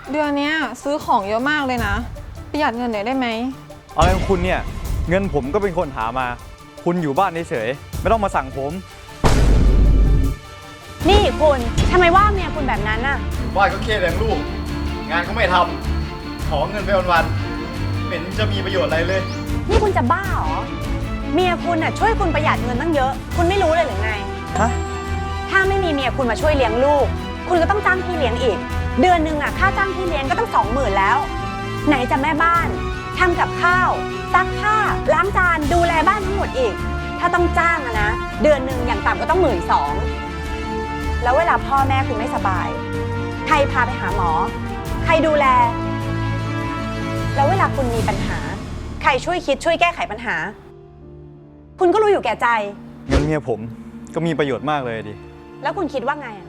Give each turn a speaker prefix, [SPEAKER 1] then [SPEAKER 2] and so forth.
[SPEAKER 1] เดือนนี้ซื้อของเยอะมากเลยนะประหยัดเงินหน่อยได้ไหม
[SPEAKER 2] อะไรของคุณเนี่ยเงินผมก็เป็นคนหามาคุณอยู่บ้านเฉยๆไม่ต้องมาสั่งผม
[SPEAKER 3] นี่คุณทำไมว่าเมียคุณแบบนั้นน่ะ
[SPEAKER 4] ว่าก็เครียดเลี้ยงลูกงานก็ไม่ทำขอเงินไปวันๆไม่เห็นจะมีประโยชน์อะไรเลย
[SPEAKER 3] นี่คุณจะบ้าเหรอ เมียคุณน่ะช่วยคุณประหยัดเงินตั้งเยอะ คุณไม่รู้เลยหรือไง
[SPEAKER 2] ฮะ
[SPEAKER 3] ถ้าไม่มีเมียคุณมาช่วยเลี้ยงลูก คุณก็ต้องจ้างพี่เลี้ยงอีก เดือนหนึ่งค่าจ้างพี่เลี้ยงก็ต้อง20,000แล้ว ไหนจะแม่บ้านทำกับข้าวซักผ้าล้างจานดูแลบ้านทั้งหมดอีก ถ้าต้องจ้างนะเดือนหนึ่งอย่างต่ำก็ต้อง12,000แล้วเวลาพ่อแม่คุณไม่สบายใครพาไปหาหมอ ใครดูแล แล้วเวลาคุณมีปัญหาใครช่วยคิดช่วยแก้ไขปัญหา คุณก็รู้อยู่แก่ใจ
[SPEAKER 2] เงินเมียผมก็มีประโยชน์มากเลยดิ
[SPEAKER 3] แล้วคุณคิดว่าไงอะ